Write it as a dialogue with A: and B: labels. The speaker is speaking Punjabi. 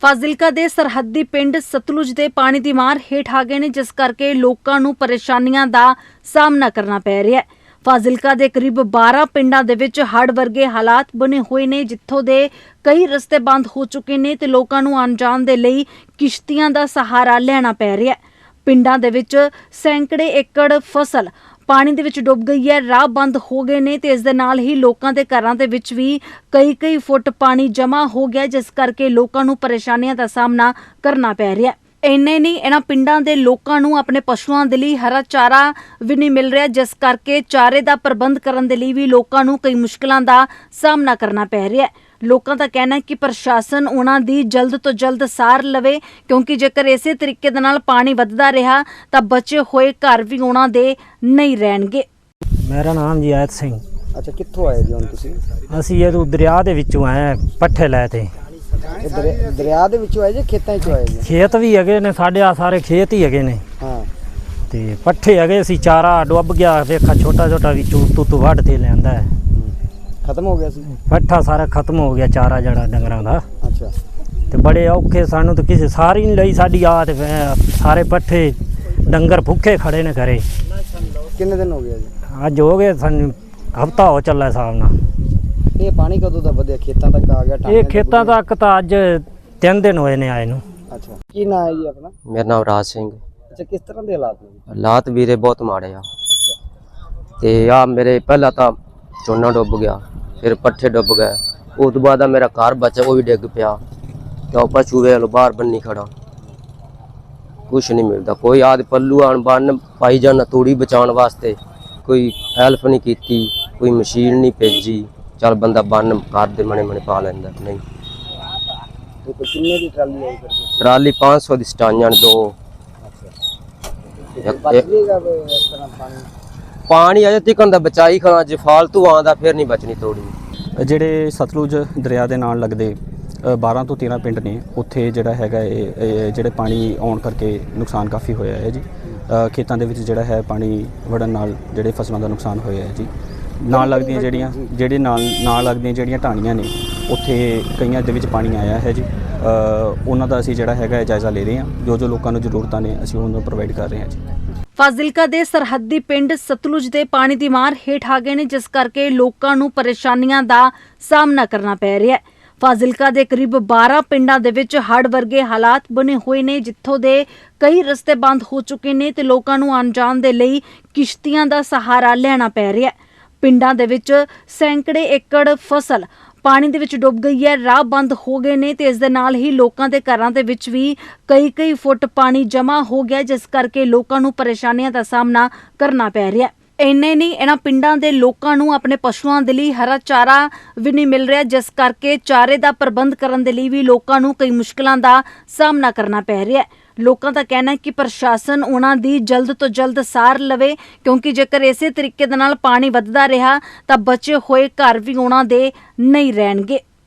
A: ਫਾਜ਼ਿਲਕਾ ਦੇ ਸਰਹੱਦੀ ਪਿੰਡ ਸਤਲੁਜ ਦੇ ਪਾਣੀ ਦੀ ਮਾਰ ਹੇਠ ਆ ਗਏ ਨੇ, ਜਿਸ ਕਰਕੇ ਲੋਕਾਂ ਨੂੰ ਪਰੇਸ਼ਾਨੀਆਂ ਦਾ ਸਾਹਮਣਾ ਕਰਨਾ ਪੈ ਰਿਹਾ ਹੈ। ਫਾਜ਼ਿਲਕਾ ਦੇ ਕਰੀਬ 12 ਪਿੰਡਾਂ ਦੇ ਵਿੱਚ ਹੜ੍ਹ ਵਰਗੇ ਹਾਲਾਤ ਬਣੇ ਹੋਏ ਨੇ, ਜਿੱਥੋਂ ਦੇ ਕਈ ਰਸਤੇ ਬੰਦ ਹੋ ਚੁੱਕੇ ਨੇ ਤੇ ਲੋਕਾਂ ਨੂੰ ਆਉਣ ਜਾਣ ਦੇ ਲਈ ਕਿਸ਼ਤੀਆਂ ਦਾ ਸਹਾਰਾ ਲੈਣਾ ਪੈ ਰਿਹਾ ਹੈ। ਪਿੰਡਾਂ ਦੇ ਵਿੱਚ ਸੈਂਕੜੇ ਏਕੜ ਫਸਲ ਪਾਣੀ ਦੇ ਵਿੱਚ ਡੁੱਬ ਗਈ ਹੈ, ਰਾਹ ਬੰਦ ਹੋ ਗਏ ਨੇ ਤੇ ਇਸ ਦੇ ਨਾਲ ਹੀ ਲੋਕਾਂ ਦੇ ਘਰਾਂ ਦੇ ਵਿੱਚ ਵੀ ਕਈ ਫੁੱਟ ਪਾਣੀ ਜਮ੍ਹਾਂ ਹੋ ਗਿਆ, ਜਿਸ ਕਰਕੇ ਲੋਕਾਂ ਨੂੰ ਪਰੇਸ਼ਾਨੀਆਂ ਦਾ ਸਾਹਮਣਾ ਕਰਨਾ ਪੈ ਰਿਹਾ ਹੈ। ਇੰਨੇ ਨਹੀਂ, ਇਹਨਾਂ ਪਿੰਡਾਂ ਦੇ ਲੋਕਾਂ ਨੂੰ ਆਪਣੇ ਪਸ਼ੂਆਂ ਦੇ ਲਈ ਹਰਾ ਚਾਰਾ ਵੀ ਨਹੀਂ ਮਿਲ ਰਿਹਾ, ਜਿਸ ਕਰਕੇ ਚਾਰੇ ਦਾ ਪ੍ਰਬੰਧ ਕਰਨ ਦੇ ਲਈ ਵੀ ਲੋਕਾਂ ਨੂੰ ਕਈ ਮੁਸ਼ਕਲਾਂ ਦਾ ਸਾਹਮਣਾ ਕਰਨਾ ਪੈ ਰਿਹਾ ਹੈ। ਲੋਕਾਂ ਦਾ ਕਹਿਣਾ ਹੈ ਕਿ ਪ੍ਰਸ਼ਾਸਨ ਉਹਨਾਂ ਦੀ ਜਲਦ ਤੋਂ ਜਲਦ ਸਾਰ ਲਵੇ, ਕਿਉਂਕਿ ਜੇਕਰ ਇਸੇ ਤਰੀਕੇ ਦੇ ਨਾਲ ਪਾਣੀ ਵੱਧਦਾ ਰਿਹਾ ਤਾਂ ਬਚੇ ਹੋਏ ਘਰ ਵੀ ਉਹਨਾਂ ਦੇ ਨਹੀਂ ਰਹਿਣਗੇ।
B: ਮੇਰਾ ਨਾਮ ਜੀ ਆਇਤ ਸਿੰਘ।
C: ਅੱਛਾ, ਕਿੱਥੋਂ ਆਏ ਜੀ ਹੁਣ ਤੁਸੀਂ?
B: ਅਸੀਂ ਇਹ ਦਰਿਆ ਦੇ ਵਿੱਚੋਂ ਆਏ, ਪੱਠੇ ਲੈ ਤੇ।
C: ਦਰਿਆ ਦੇ ਵਿੱਚੋਂ ਆਏ ਜੀ, ਖੇਤਾਂ 'ਚੋਂ ਆਏ ਜੀ?
B: ਖੇਤ ਵੀ ਹੈਗੇ ਨੇ ਸਾਡੇ, ਆ ਸਾਰੇ ਖੇਤ ਹੀ ਹੈਗੇ ਨੇ।
C: ਹਾਂ,
B: ਤੇ ਪੱਠੇ ਹੈਗੇ ਸੀ, ਚਾਰਾ ਡੁੱਬ ਗਿਆ, ਵੇਖਾ ਛੋਟਾ ਵਿੱਚੋਂ ਤੂੰ ਵੱਢ ਤੇ ਲਿਆਂਦਾ ਹੈ।
C: ਖਤਮ ਹੋ ਗਿਆ ਸੀ
B: ਪੱਠਾ ਸਾਰਾ ਖਤਮ ਹੋ ਗਿਆ, ਚਾਰਾ ਜਿਹੜਾ ਡੰਗਰਾਂ ਦਾ।
C: ਅੱਛਾ,
B: ਤੇ ਬੜੇ ਔਖੇ ਸਾਨੂੰ ਤਾਂ ਕਿਸੇ ਸਾਰੀ ਨਹੀਂ ਲਈ ਸਾਡੀ ਆ, ਤੇ ਸਾਰੇ ਪੱਠੇ ਡੰਗਰ ਭੁੱਖੇ ਖੜੇ ਨੇ ਘਰੇ।
C: ਕਿੰਨੇ ਦਿਨ ਹੋ ਗਏ ਜੀ?
B: ਅੱਜ ਹੋ ਗਏ ਸਾਨੂੰ ਹਫਤਾ ਹੋ ਚੱਲਾ ਹਿਸਾਬ ਨਾਲ।
C: ਇਹ ਪਾਣੀ ਕਦੋਂ ਦਾ ਵਧਿਆ ਖੇਤਾਂ ਤੱਕ ਆ ਗਿਆ?
B: ਇਹ ਖੇਤਾਂ ਤੱਕ ਤਾਂ ਅੱਜ 3 ਦਿਨ ਹੋਏ ਨੇ ਆਏ ਨੂੰ।
C: ਅੱਛਾ, ਕੀ ਨਾਂ ਹੈ ਜੀ ਆਪਣਾ?
D: ਮੇਰਾ ਨਾਮ ਰਾਜ ਸਿੰਘ।
C: ਅੱਛਾ, ਕਿਸ ਤਰ੍ਹਾਂ ਦੇ ਹਾਲਾਤ ਨੇ?
D: ਹਾਲਾਤ ਵੀਰੇ ਬਹੁਤ ਮਾੜੇ ਆ।
C: ਅੱਛਾ,
D: ਤੇ ਆ ਮੇਰੇ ਪਹਿਲਾਂ ਤਾਂ ਝੋਨਾ ਡੁੱਬ ਗਿਆ, ਫਿਰ ਪੱਠੇ ਡੁੱਬ ਗਏ, ਉਸ ਤੋਂ ਬਾਅਦ ਮੇਰਾ ਘਰ ਬਚਾ ਉਹ ਵੀ ਡਿੱਗ ਪਿਆ। ਤੇ ਉਹ ਪਸ਼ੂ ਵੇਖ ਲੋ ਬਾਹਰ ਬੰਨੀ ਖੜਾ, ਕੁਛ ਨਹੀਂ ਮਿਲਦਾ। ਕੋਈ ਆਦ ਪੱਲੂ ਆਣ ਬੰਨ ਪਾਈ ਜਾਣਾ ਤੂੜੀ ਬਚਾਉਣ ਵਾਸਤੇ, ਕੋਈ ਹੈਲਪ ਨਹੀਂ ਕੀਤੀ, ਕੋਈ ਮਸ਼ੀਨ ਨਹੀਂ ਭੇਜੀ। ਚੱਲ ਬੰਦਾ ਬੰਨ ਘਰ ਦੇ ਮਣੇ ਪਾ ਲੈਂਦਾ। ਨਹੀਂ,
C: ਤੇ ਕੋਈ ਕਿੰਨੇ ਦੀ ਟਰਾਲੀ ਆਈ ਫਿਰ?
D: ਟਰਾਲੀ 500 ਦੀ ਸਟਾਈਆਂ ਨੇ 2।
C: ਬਚ ਜੇਗਾ ਇਸ ਤਰ੍ਹਾਂ
D: ਪਾਣੀ ਅਜੇ ਤੱਕ ਦਾ ਬਚਾਈ ਖੜਾ, ਜੇ ਫਾਲਤੂ ਆਉਂਦਾ ਫਿਰ ਨਹੀਂ ਬਚਣੀ ਤੂੜੀ।
E: ਜਿਹੜੇ ਸਤਲੁਜ ਦਰਿਆ ਦੇ ਨਾਲ ਲੱਗਦੇ 12 ਤੋਂ 13 ਪਿੰਡ ਨੇ, ਉੱਥੇ ਜਿਹੜਾ ਹੈਗਾ ਇਹ ਜਿਹੜੇ ਪਾਣੀ ਆਉਣ ਕਰਕੇ ਨੁਕਸਾਨ ਕਾਫੀ ਹੋਇਆ ਹੈ ਜੀ। ਖੇਤਾਂ ਦੇ ਵਿੱਚ ਜਿਹੜਾ ਹੈ ਪਾਣੀ ਵੜਨ ਨਾਲ ਜਿਹੜੇ ਫਸਲਾਂ ਦਾ ਨੁਕਸਾਨ ਹੋਇਆ ਹੈ ਜੀ। ਨਾਲ ਲੱਗਦੀਆਂ ਨਾਲ ਲੱਗਦੀਆਂ ਜਿਹੜੀਆਂ ਢਾਣੀਆਂ ਨੇ, ਉੱਥੇ ਕਈਆਂ ਦੇ ਵਿੱਚ ਪਾਣੀ ਆਇਆ ਹੈ ਜੀ। ਉਹਨਾਂ ਦਾ ਅਸੀਂ ਜਿਹੜਾ ਹੈਗਾ ਜਾਇਜ਼ਾ ਲੈ ਰਹੇ ਹਾਂ। ਜੋ ਲੋਕਾਂ ਨੂੰ ਜ਼ਰੂਰਤਾਂ ਨੇ ਅਸੀਂ ਉਹਨਾਂ ਨੂੰ ਪ੍ਰੋਵਾਈਡ ਕਰ ਰਹੇ ਹਾਂ ਜੀ।
A: ਫਾਜ਼ਿਲਕਾ ਦੇ ਸਰਹੱਦੀ ਪਿੰਡ ਸਤਲੁਜ ਦੇ ਪਾਣੀ ਦੀ ਮਾਰ ਹੇਠ ਆ ਗਏ ਨੇ, ਜਿਸ ਕਰਕੇ ਲੋਕਾਂ ਨੂੰ ਪਰੇਸ਼ਾਨੀਆਂ ਦਾ ਸਾਹਮਣਾ ਕਰਨਾ ਪੈ ਰਿਹਾ ਹੈ। ਫਾਜ਼ਿਲਕਾ ਦੇ ਕਰੀਬ 12 ਪਿੰਡਾਂ ਦੇ ਵਿੱਚ ਹੜ੍ਹ ਵਰਗੇ ਹਾਲਾਤ ਬਣੇ ਹੋਏ ਨੇ, ਜਿੱਥੋਂ ਦੇ ਕਈ ਰਸਤੇ ਬੰਦ ਹੋ ਚੁੱਕੇ ਨੇ ਤੇ ਲੋਕਾਂ ਨੂੰ ਆਉਣ ਜਾਣ ਦੇ ਲਈ ਕਿਸ਼ਤੀਆਂ ਦਾ ਸਹਾਰਾ ਲੈਣਾ ਪੈ ਰਿਹਾ ਹੈ। ਪਿੰਡਾਂ ਦੇ ਵਿੱਚ ਸੈਂਕੜੇ ਏਕੜ ਫਸਲ ਪਾਣੀ ਦੇ ਵਿੱਚ ਡੁੱਬ ਗਈ ਹੈ, ਰਾਹ ਬੰਦ ਹੋ ਗਏ ਨੇ ਤੇ ਇਸ ਦੇ ਨਾਲ ਹੀ ਲੋਕਾਂ ਦੇ ਘਰਾਂ ਦੇ ਵਿੱਚ ਵੀ ਕਈ ਫੁੱਟ ਪਾਣੀ ਜਮ੍ਹਾਂ ਹੋ ਗਿਆ, ਜਿਸ ਕਰਕੇ ਲੋਕਾਂ ਨੂੰ ਪਰੇਸ਼ਾਨੀਆਂ ਦਾ ਸਾਹਮਣਾ ਕਰਨਾ ਪੈ ਰਿਹਾ ਹੈ। ਇੰਨੇ ਨਹੀਂ, ਇਹਨਾਂ ਪਿੰਡਾਂ ਦੇ ਲੋਕਾਂ ਨੂੰ ਆਪਣੇ ਪਸ਼ੂਆਂ ਦੇ ਲਈ ਹਰਾ ਚਾਰਾ ਵੀ ਨਹੀਂ ਮਿਲ ਰਿਹਾ, ਜਿਸ ਕਰਕੇ ਚਾਰੇ ਦਾ ਪ੍ਰਬੰਧ ਕਰਨ ਦੇ ਲਈ ਵੀ ਲੋਕਾਂ ਨੂੰ ਕਈ ਮੁਸ਼ਕਲਾਂ ਦਾ ਸਾਹਮਣਾ ਕਰਨਾ ਪੈ ਰਿਹਾ ਹੈ। ਲੋਕਾਂ ਦਾ ਕਹਿਣਾ ਹੈ ਕਿ ਪ੍ਰਸ਼ਾਸਨ ਉਹਨਾਂ ਦੀ ਜਲਦ ਤੋਂ ਜਲਦ ਸਾਰ ਲਵੇ, ਕਿਉਂਕਿ ਜੇਕਰ ਇਸੇ ਤਰੀਕੇ ਦੇ ਨਾਲ ਪਾਣੀ ਵੱਧਦਾ ਰਿਹਾ ਤਾਂ ਬਚੇ ਹੋਏ ਘਰ ਵੀ ਉਹਨਾਂ ਦੇ ਨਹੀਂ ਰਹਿਣਗੇ।